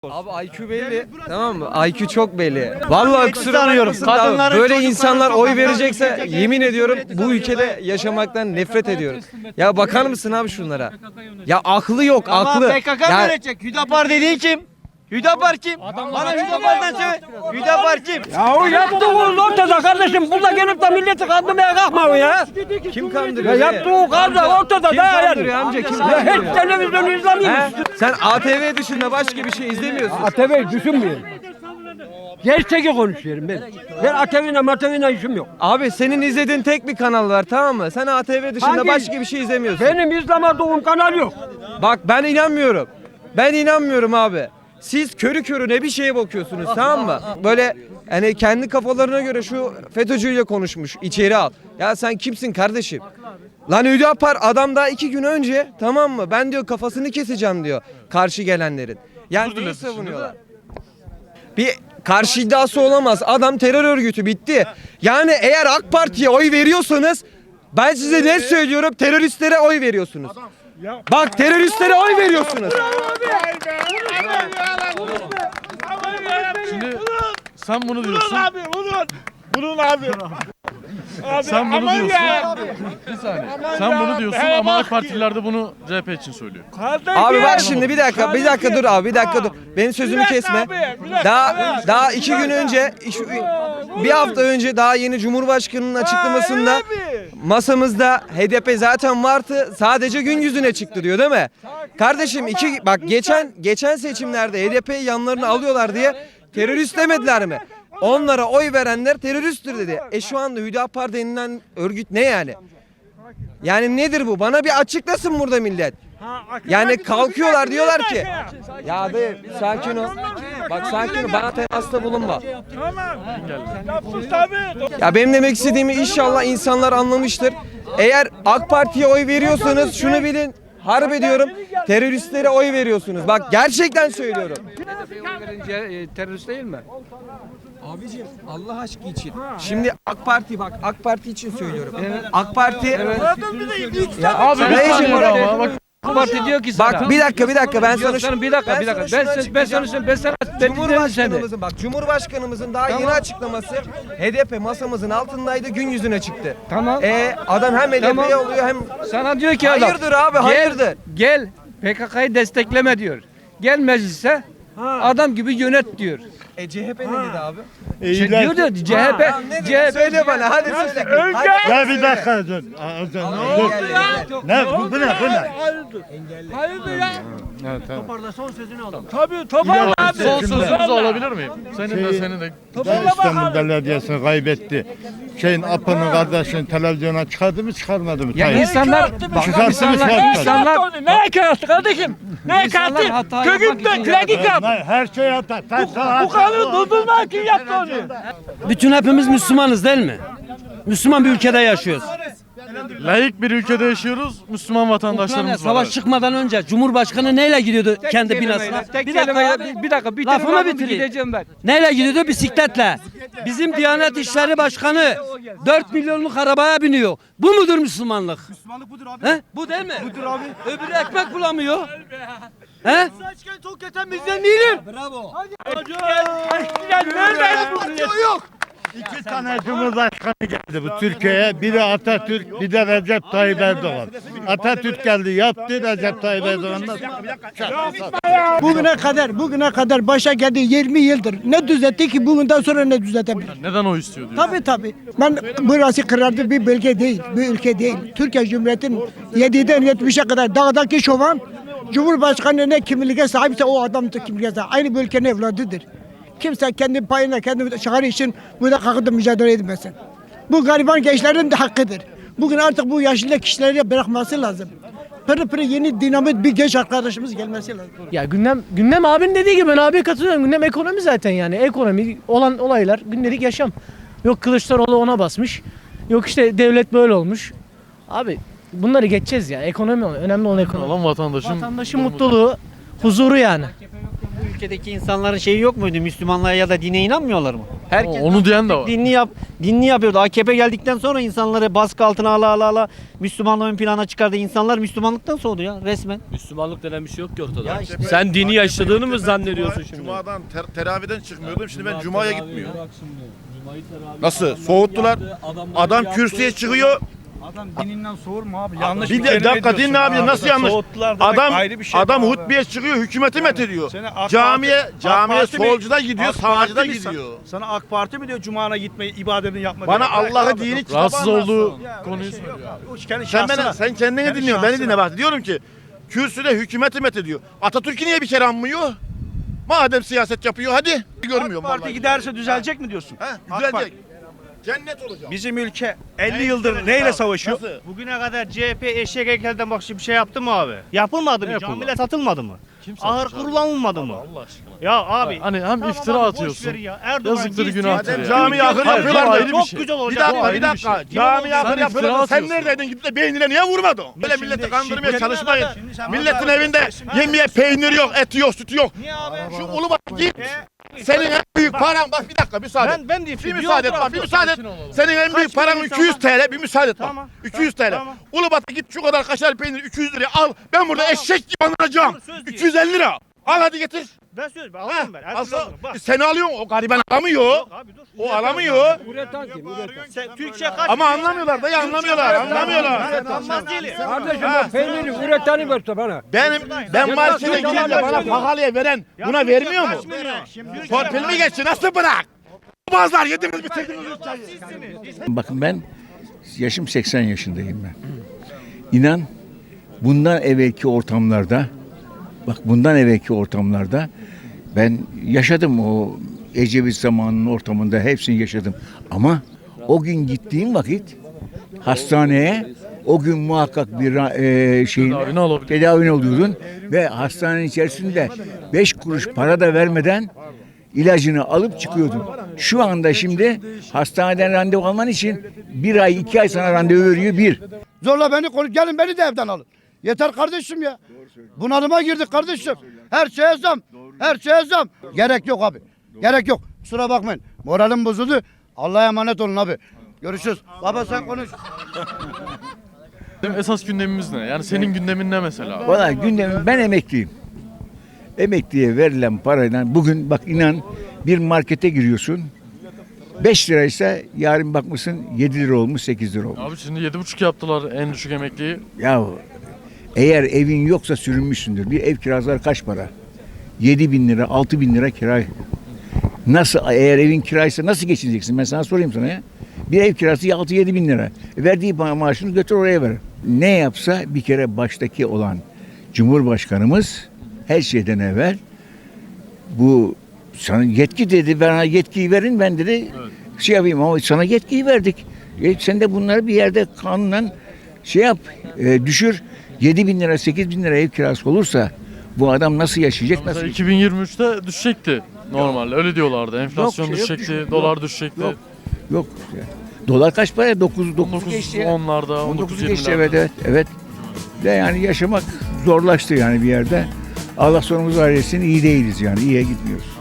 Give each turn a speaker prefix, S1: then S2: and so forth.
S1: Abi IQ belli, tamam mı? IQ çok belli. Vallahi kusura
S2: sanıyorum.
S1: bakmasın da
S2: Kadınların,
S1: böyle
S2: çocukların
S1: insanlar oy
S2: sokakta
S1: verecekse yemin ediyorum bu ülkede yaşamaktan nefret ediyorum. Ya bakar mısın abi şunlara? Ya aklı yok, aklı.
S2: PKK
S1: Ya,
S2: verecek. Hüdapar dediğin kim? Hüdapar kim? Bana Hüdapar'dan söyle. Hüdapar kim?
S3: Ya o yaptığınız ortada kardeşim. Burada gelip de milleti kandırmaya kalkma ya.
S1: kim
S3: Ya
S1: kandırıyor?
S3: yaptığı kadar ortada
S1: Kim
S3: da yani.
S1: kandırıyor amca? Kim
S3: Ya
S1: kandırıyor?
S3: hiç televizyonu izlemiyor
S1: He?
S3: musun?
S1: Sen ATV dışında başka bir şey izlemiyorsun.
S3: ATV'yi düşünmüyorum. Gerçeği konuşuyorum ben. Ben ATV'yle işim yok.
S1: Abi senin izlediğin tek bir kanal var, tamam mı? Sen ATV dışında
S3: Hangi?
S1: başka bir şey izlemiyorsun.
S3: Benim izlemediğim kanal yok.
S1: Bak ben inanmıyorum. Ben inanmıyorum abi. Siz körü körüne bir şeye bakıyorsunuz, tamam mı? Böyle hani kendi kafalarına göre şu FETÖ'cüyle konuşmuş, içeri al. Ya sen kimsin kardeşim? Lan Hüdapar adam daha 2 gün önce, tamam mı? Ben diyor kafasını keseceğim diyor karşı gelenlerin. Yani neyi savunuyorlar? Bir karşı iddiası olamaz. Adam terör örgütü, bitti. Yani eğer AK Parti'ye oy veriyorsanız ben size ne söylüyorum? Teröristlere oy veriyorsunuz. Bak teröristlere oy veriyorsunuz.
S4: Şimdi sen bunu diyorsun.
S5: Bunun abi.
S4: Sen bunu
S5: aman
S4: diyorsun.
S5: ya.
S4: Bir saniye.
S5: Aman
S4: Sen
S5: ya.
S4: bunu diyorsun
S5: He
S4: ama
S5: bak
S4: AK Partililer de bunu CHP için söylüyor.
S1: Abi bak şimdi bir dakika dur abi, bir dakika dur. Benim sözümü
S5: Bir dakika
S1: kesme.
S5: abi, bir dakika.
S1: Daha 2 gün önce, bir hafta önce daha yeni Cumhurbaşkanı'nın açıklamasında masamızda HDP zaten vardı, sadece gün yüzüne çıktı diyor, değil mi? Kardeşim bak geçen seçimlerde HDP'yi yanlarına alıyorlar diye terörist demediler mi? Onlara oy verenler teröristtir dedi. Şu anda Hüdapar denilen örgüt ne yani? Yani nedir bu? Bana bir açıklasın burada millet. Yani kalkıyorlar diyorlar ki ya de sakin ol. Bak sakin ol, bana temasta bulunma. Ya benim demek istediğimi inşallah insanlar anlamıştır. Eğer AK Parti'ye oy veriyorsanız şunu bilin. Harbi diyorum, teröristlere oy veriyorsunuz. Bak gerçekten söylüyorum.
S3: Terörist değil mi?
S1: Abicim Allah aşkı için. Şimdi AK Parti için söylüyorum. AK Parti
S4: Ya abi bir
S1: Reis
S4: saniye
S1: Cumhuriyeti-
S4: ama bak.
S3: AK Parti diyor ki sana.
S1: bak bir dakika ben sana
S3: Bir dakika. Ben sana
S1: Cumhurbaşkanımızın daha yeni açıklaması HDP masamızın altındaydı, gün yüzüne çıktı.
S3: Tamam.
S1: Adam hem HDP'ye
S3: Tamam.
S1: oluyor hem
S3: Sana diyor ki adam.
S1: hayırdır abi, hayırdır.
S3: Gel PKK'yı destekleme diyor. Gel meclise adam gibi yönet diyor.
S1: CHP ne dedi abi?
S3: Diyor da CHP.
S1: Söyle bana, hadi söyle.
S5: Ya bir dakika dur. Dur. Ne bu ne?
S3: Hayırdır ya?
S4: Evet, tamam.
S3: Tabii topar abi.
S4: Son sözümüzü alabilir miyim? Senin de.
S5: İstanbul Belediyesi'ni kaybetti. Apının kardeşini televizyona çıkardı mı çıkarmadı mı?
S3: Ya
S5: Tayyip?
S3: insanlar insanlar
S6: Neye kıyastı kardeşim? Neye
S3: İnsanlar
S6: kıyastı?
S3: hata yapmak
S6: Kökünden
S3: için
S6: kredit yap.
S5: Her şey hata.
S6: Bu kanun bozulma kim yaptı onu?
S7: Bütün hepimiz Müslümanız değil mi? Müslüman bir ülkede yaşıyoruz.
S4: Layık bir ülkede yaşıyoruz. Müslüman
S7: Ukrayna
S4: vatandaşlarımız var.
S7: savaş çıkmadan önce Cumhurbaşkanı neyle gidiyordu kendi binasına?
S3: Bir dakika
S7: Lafımı bitireyim.
S3: gideceğim ben.
S7: Neyle gidiyordu? Bisikletle. Bizim Diyanet İşleri Başkanı 4 milyonluk arabaya biniyor. Bu mudur Müslümanlık? Müslümanlık budur abi. He? Bu değil mi? Budur abi. Öbürü ekmek bulamıyor. He?
S6: Çok yeten bizden değilim.
S7: Bravo.
S6: Yok.
S5: İki tane Cumhurbaşkanı geldi bu Türkiye'ye. Biri Atatürk, bir de Recep Tayyip Erdoğan. Atatürk geldi, yaptı, Recep Tayyip Erdoğan da.
S6: Bugüne kadar başa geldi 20 yıldır. Ne düzeltti ki bugünden sonra ne düzeltebilir?
S4: Neden o istiyor diyor.
S6: Tabii. Ben burası kırardı bir bölge değil, bir ülke değil. Türkiye Cumhuriyeti'nin 7'den 70'e kadar dağdaki şovan Cumhurbaşkanı ne kimliğe sahipse o adam da kimliğe sahip. Aynı bu ülkenin evladıdır. Kimse kendi payına, kendi çıkarı için burada kalkıp da mücadele etmesin. Bu gariban gençlerin de hakkıdır. Bugün artık bu yaşlı kişileri bırakması lazım. Pırı pırı yeni dinamit bir genç arkadaşımız gelmesi lazım.
S8: Ya gündem abinin dediği gibi ben abiye katılıyorum. Gündem ekonomi zaten yani. Ekonomi olan olaylar, gündelik yaşam. Yok Kılıçdaroğlu ona basmış. Yok işte devlet böyle olmuş. Abi bunları geçeceğiz ya. Ekonomi önemli olan ekonomi.
S4: Olan
S8: Vatandaşın mutluluğu, huzuru yani.
S2: Bu ülkedeki insanların şeyi yok muydu? Müslümanlığa ya da dine inanmıyorlar mı? Herkes
S4: Onu diyen de var.
S2: dinli yapıyordu. AKP geldikten sonra insanları baskı altına ala Müslümanlığı ön plana çıkardı. İnsanlar Müslümanlıktan soğudu ya resmen.
S9: Müslümanlık denen bir şey yok ki ortada.
S2: Ya işte-
S9: Sen dini yaşadığını mı zannediyorsun şimdi?
S10: Cuma'dan teravihden çıkmıyordum. Şimdi ben Cuma'ya gitmiyorum. Nasıl? Soğuttular. Adam kürsüye çıkıyor.
S5: Adam dininden soğur mu abi? Yanlış
S10: Bir de dakika dinle abi nasıl yanlış? Adam hutbeye çıkıyor, hükümeti methediyor. Camiye solcuda gidiyor, sağcıda gidiyor.
S5: Sana AK Parti mi diyor Cuma'na gitmeyi, ibadetini yapma
S10: Bana Allah'ı dini kitabı
S4: Rahatsız olduğu
S10: anlatsın.
S4: konuyu söylüyor.
S10: Sen kendini dinliyorsun, beni dinle bak. Diyorum ki kürsüde hükümeti methediyor. Atatürk'ü niye bir kere anmıyor? Madem siyaset yapıyor hadi. Görmüyorum
S5: Parti
S10: vallahi.
S5: giderse düzelecek mi diyorsun?
S10: He, düzelecek. Cennet olacak.
S5: Bizim ülke 50 yıldır neyle savaşıyor?
S10: Nasıl?
S2: Bugüne kadar CHP eşek heykelden bak bir şey yaptı mı abi? Yapılmadı mı? Camiler satılmadı mı? Ahır kurulanmadı mı?
S4: Allah aşkına.
S2: Ya abi.
S4: Hani hem iftira
S2: abi, boş
S4: atıyorsun.
S2: ver ya. Erdoğan
S4: Yazıktır,
S2: gitsin.
S4: günahtır
S10: Madem
S4: ya.
S10: cami ahır
S4: Hayır,
S10: yapıyorlar
S4: bu
S10: da
S4: ayrı bir
S2: çok
S4: şey.
S2: güzel
S10: Bir
S2: olacak.
S10: dakika,
S4: ayrı
S10: bir
S4: bir
S10: dakika.
S4: şey.
S10: Cami
S4: Sen
S10: ahır yapıyorlar
S4: iftira
S10: da sen
S4: atıyorsun.
S10: neredeydin? Gidip de beynine niye vurmadın? Böyle milleti kandırmaya çalışmayın.
S5: şimdi sen
S10: Milletin
S5: burada-
S10: evinde yemeye peynir yok, eti yok, sütü yok.
S2: Niye abi?
S10: Şu Ulubat'a git. Senin en büyük paran bak bir dakika müsaade et.
S2: Ben de
S10: Bir müsaade et bak bir müsaade et. Senin en büyük paran 200 TL bir müsaade et bak.
S2: Tamam.
S10: 200 TL.
S2: Tamam.
S10: Ulubat'a git şu kadar kaşar peynir 200 liraya al. Ben burada eşek gibi anlatacağım.
S2: Söz diyor.
S10: 250 lira. Al hadi getir.
S2: Ben söz alıyorum ben. Her türlü
S10: Alsa,
S2: alırım. Bak.
S10: sen alıyorsun o gariban alamıyor.
S2: Abi dur.
S10: O alamıyor.
S3: Üreten kim? Üreten.
S2: Sen Türkçe kaç?
S10: Ama anlamıyorlar da anlamıyorlar. Anlamıyorlar.
S2: Anlamaz değilim.
S3: Kardeşim bak peyniri üreteni verse bana.
S10: Ben markete gidince bana pahalıya veren buna vermiyor mu? Torpil mi geçti? Nasıl bırak? Bazılar yediniz bitirdiniz çayı.
S11: Bakın ben yaşım 80 yaşındayım ben. İnan bundan evvelki ortamlarda ben yaşadım o Ecevit zamanının ortamında hepsini yaşadım. Ama o gün gittiğim vakit hastaneye o gün muhakkak bir tedavini oluyordun ve hastanenin içerisinde 5 kuruş para da vermeden ilacını alıp çıkıyordun. Şu anda şimdi hastaneden randevu alman için 1 ay 2 ay sana randevu veriyor bir.
S5: Zorla beni konuş, gelin beni de evden alın. Yeter kardeşim ya. Bunalıma girdik kardeşim. Her şeye zam. Her şeye zam. Gerek yok abi. Gerek yok. Kusura bakmayın. Moralim bozuldu. Allah'a emanet olun abi. Görüşürüz. Baba sen konuş.
S4: Esas gündemimiz ne? Yani senin gündemin ne mesela?
S11: Valla gündemim ben emekliyim. Emekliye verilen parayla bugün bak inan bir markete giriyorsun. 5 liraysa yarın bakmışsın 7 lira olmuş 8 lira olmuş.
S4: Abi şimdi 7,5 yaptılar en düşük emekliyi.
S11: Ya eğer evin yoksa sürünmüşsündür. Bir ev kiraları kaç para? 7 bin lira 6 bin lira kira. Nasıl eğer evin kiraysa nasıl geçineceksin? Ben sana sorayım sana ya. Bir ev kirası 6-7 bin lira. Verdiği maaşını götür oraya ver. Ne yapsa bir kere baştaki olan Cumhurbaşkanımız her şeyden evvel bu sana yetki dedi. Bana yetkiyi verin ben dedi şey yapayım ama sana yetkiyi verdik. Sen de bunları bir yerde kanunen şey yap düşür. 7 bin lira 8 bin lira ev kirası olursa bu adam nasıl yaşayacak?
S4: Mesela
S11: Nasıl
S4: 2023'te düşecekti normalde öyle diyorlardı. Enflasyon
S11: Yok,
S4: düşecekti,
S11: düşmüyor.
S4: dolar düşecekti.
S11: Yok. Dolar kaç para? 9 geçti ya.
S4: 10'larda,
S11: 19 geçti
S4: 19-20'lerde.
S11: evet. De yani yaşamak zorlaştı yani bir yerde. Allah sonumuzu hayretsin iyi değiliz yani iyiye gitmiyoruz.